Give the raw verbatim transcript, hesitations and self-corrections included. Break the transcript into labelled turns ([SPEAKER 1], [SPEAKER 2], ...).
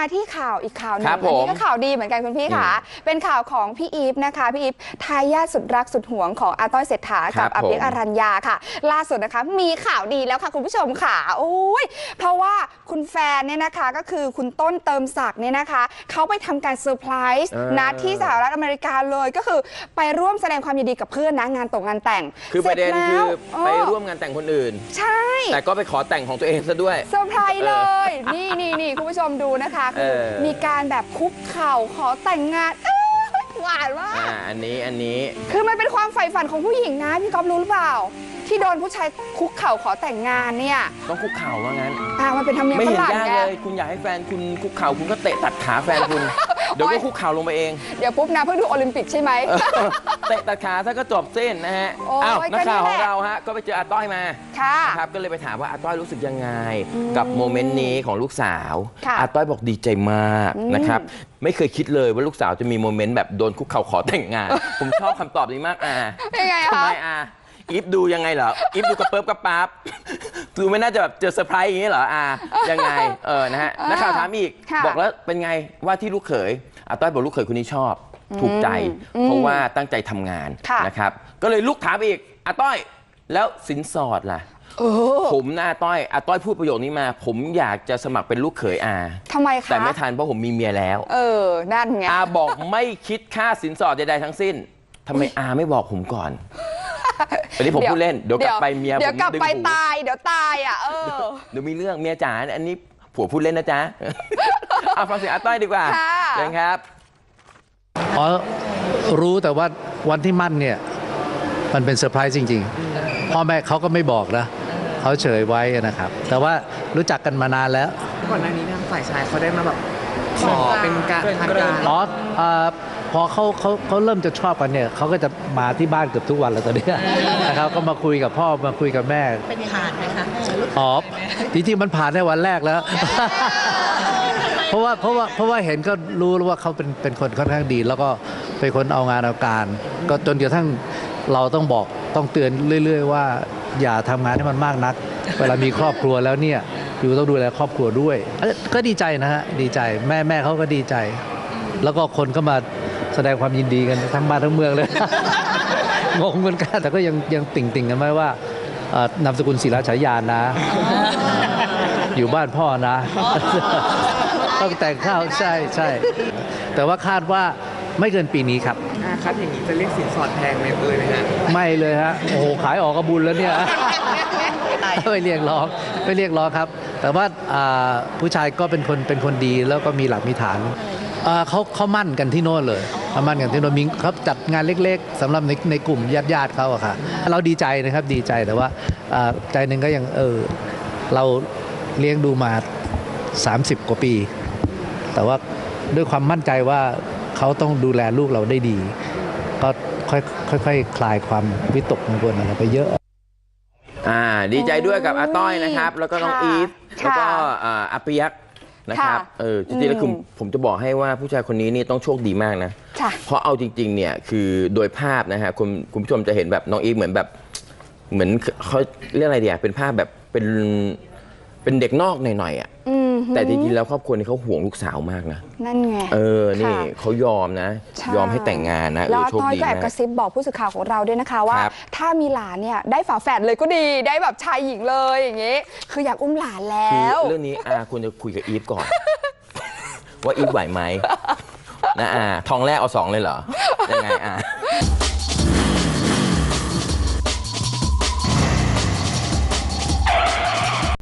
[SPEAKER 1] ที่ข่าวอีกข่าวหนึ่งอัน
[SPEAKER 2] นี้
[SPEAKER 1] ก็ข่าวดีเหมือนกันคุณพี่ค่ะเป็นข่าวของพี่อีฟนะคะพี่อีฟทายาทสุดรักสุดหวงของอาต้อยเศรษฐากับอาเปี๊ยกอรัญญาค่ะล่าสุดนะคะมีข่าวดีแล้วค่ะคุณผู้ชมค่ะโอ้ยเพราะว่าคุณแฟนเนี่ยนะคะก็คือคุณต้นเติมศักดิ์เนี่ยนะคะเขาไปทำการเซอร์ไพรส์นะที่สหรัฐอเมริกาเลยก็คือไปร่วมแสดงความยินดีกับเพื่อนนะงานตกงานแต่ง
[SPEAKER 2] คือประเด็นคือไปร่วมงานแต่งคนอื่น
[SPEAKER 1] ใช่
[SPEAKER 2] แต่ก็ไปขอแต่งของตัวเองซะด้วย
[SPEAKER 1] เซอร์ไพรส์เลยนี่นี่นี่คุณผู้ชมดูนะคะคือมีการแบบคุกเข่าขอแต่งงานหวานมาก
[SPEAKER 2] อันนี้อันนี้
[SPEAKER 1] คือมันเป็นความใฝ่ฝันของผู้หญิงนะพี่ก๊อฟรู้หรือเปล่าที่โดนผู้ชายคุกเข่าขอแต่งงานเนี่ย
[SPEAKER 2] ต้องคุกเข่าว่างั้น
[SPEAKER 1] อ่ามันเป็นธรรมเนียมฝรั่งไง
[SPEAKER 2] ไม่เห็นยากเลยคุณอยากให้แฟนคุณคุกเข่าคุณก็เตะตัดขาแฟนคุณเดี๋ยวก็คุกเข่าลงไปเอง
[SPEAKER 1] เดี๋ยวปุ๊บนะเพื่อดูโอลิมปิกใช่ไหม
[SPEAKER 2] เตะตัดขาถ้าก็จบเส้นนะฮะอ้าวนักข่าวของเราฮะก็ไปเจออาต้อยมาครับก็เลยไปถามว่าอาต้อยรู้สึกยังไงกับโมเมนต์นี้ของลูกสาวอาต้อยบอกดีใจมากนะครับไม่เคยคิดเลยว่าลูกสาวจะมีโมเมนต์แบบโดนคุกเข่าขอแต่งงานผมชอบคำตอบนี้มากอ่ะทำไมอ่ะอีฟดูยังไงเหรออีฟดูกระเปิ๊บกระปั๊บดูไม่น่าจะแบบเจอเซอร์ไพรส์อย่างนี้เหรออ่ายังไงเออนะฮะนักข่าวถามอีกบอกแล้วเป็นไงว่าที่ลูกเขยอาต้อยบอกลูกเขยคนนี้ชอบถูกใจเพราะว่าตั้งใจทำงานนะครับก็เลยลูกถามอีกอาต้อยแล้วสินสอดล่ะผมหน้าต้อยอาต้อยพูดประโยคนี้มาผมอยากจะสมัครเป็นลูกเขยอา
[SPEAKER 1] ทำไมคะ
[SPEAKER 2] แต่ไม่ทันเพราะผมมีเมียแล้ว
[SPEAKER 1] เออนั่นไง
[SPEAKER 2] อาบอกไม่คิดค่าสินสอดใดๆทั้งสิ้นทำไมอาไม่บอกผมก่อนอันนี้ผมพูดเล่นเดี๋ยวกลับไปเมียผม
[SPEAKER 1] เดี๋ยวกลับไปตายเดี๋ยวตายอ่ะเออ
[SPEAKER 2] เดี๋ยวมีเรื่องเมียจ๋าอันนี้ผัวพูดเล่นนะจ๊ะเอาฟังเสียงอาต้อยดีกว่าเชิญครับ
[SPEAKER 3] อ๋อรู้แต่ว่าวันที่มั่นเนี่ยมันเป็นเซอร์ไพรส์จริงๆพ่อแม่เขาก็ไม่บอกนะเขาเฉยไว้นะครับแต่ว่ารู้จักกันมานานแล้ว
[SPEAKER 4] ก่อนหน้านี้ทางฝ่ายชายเขาได้มาแบบขอเป็นการทางการ
[SPEAKER 3] อ๋อพอเขาเขาเขาเริ่มจะชอบกันเนี่ยเขาก็จะมาที่บ้านเกือบทุกวันแล้วตอนนี้นะครับก็มาคุยกับพ่อมาคุยกับแม่
[SPEAKER 4] เป็นผ่านไหมคะ
[SPEAKER 3] อ๋อจริงๆมันผ่านในวันแรกแล้วเพราะว่าเพราะว่าเพราะว่าเห็นก็รู้ว่าเขาเป็นเป็นคนค่อนข้างดีแล้วก็เป็นคนเอางานเอาการก็จนกระทั่งเราต้องบอกต้องเตือนเรื่อยๆว่าอย่าทำงานให้มันมากนักเวลามีครอบครัวแล้วเนี่ยอยู่ต้องดูแลครอบครัวด้วยก็ดีใจนะฮะดีใจแม่แม่เขาก็ดีใจแล้วก็คนก็มาแสดงความยินดีกันทั้งบ้านทั้งเมืองเลยงงเหมือนกันแต่ก็ยังยังติ่งติ่งกันไหมว่านามสกุลศิลาฉายานนะอยู่บ้านพ่อนะต้องแต่งข้าวใช่ใช่แต่ว่าคาดว่าไม่เกินปีนี้ครับ
[SPEAKER 4] ครับอย่างนี้จะเรียกสินสอดแพงไหมเอ่ยไหมฮะ
[SPEAKER 3] ไม่เลยฮะโอ้โหขายออกกระบุญแล้วเนี่ยไม่เรียกร้องไม่เรียกร้องครับแต่ว่าผู้ชายก็เป็นคนเป็นคนดีแล้วก็มีหลักมีฐานเขาเขามั่นกันที่โน่นเลยเขามั่นกันที่โน่นมิงเขาจัดงานเล็กๆสำหรับในในกลุ่มญาติญาติเขาอะค่ะเราดีใจนะครับดีใจแต่ว่าใจหนึ่งก็ยังเออเราเลี้ยงดูมาสามสิบกว่าปีแต่ว่าด้วยความมั่นใจว่าเขาต้องดูแลลูกเราได้ดีก็ค่อยค่อยๆคลายความวิตกกังวลอะไรไปเยอะ
[SPEAKER 2] อ่าดีใจด้วยกับอาต้อยนะครับแล้วก็น้องอีฟแล้วก็อาเปี๊ยกนะครับเออจริงๆแล้วคือผมจะบอกให้ว่าผู้ชายคนนี้นี่ต้องโชคดีมากนะเพราะเอาจริงๆเนี่ยคือโดยภาพนะฮะคุณคุณผู้ชมจะเห็นแบบน้องอีฟเหมือนแบบเหมือนเขาเรียกอะไรเดียเป็นภาพแบบเป็นเป็นเด็กนอกหน่อยๆอ่ะแต่จริงๆแล้วครอบครัวนี้เขาห่วงลูกสาวมากนะ
[SPEAKER 1] นั่นไง
[SPEAKER 2] เออนี่เขายอมนะยอมให้แต่งงานนะ
[SPEAKER 1] แล้วต้อยก็แอบกระซิบบอกผู้สื่อข่าวของเราด้วยนะคะว่าถ้ามีหลานเนี่ยได้ฝาแฝดเลยก็ดีได้แบบชายหญิงเลยอย่างงี้คืออยากอุ้มหลานแล้ว
[SPEAKER 2] เรื่องนี้อาควรจะคุยกับอีฟก่อนว่าอีฟไหวไหมนะอาทองแรกเอาสองเลยเหรอยังไงอา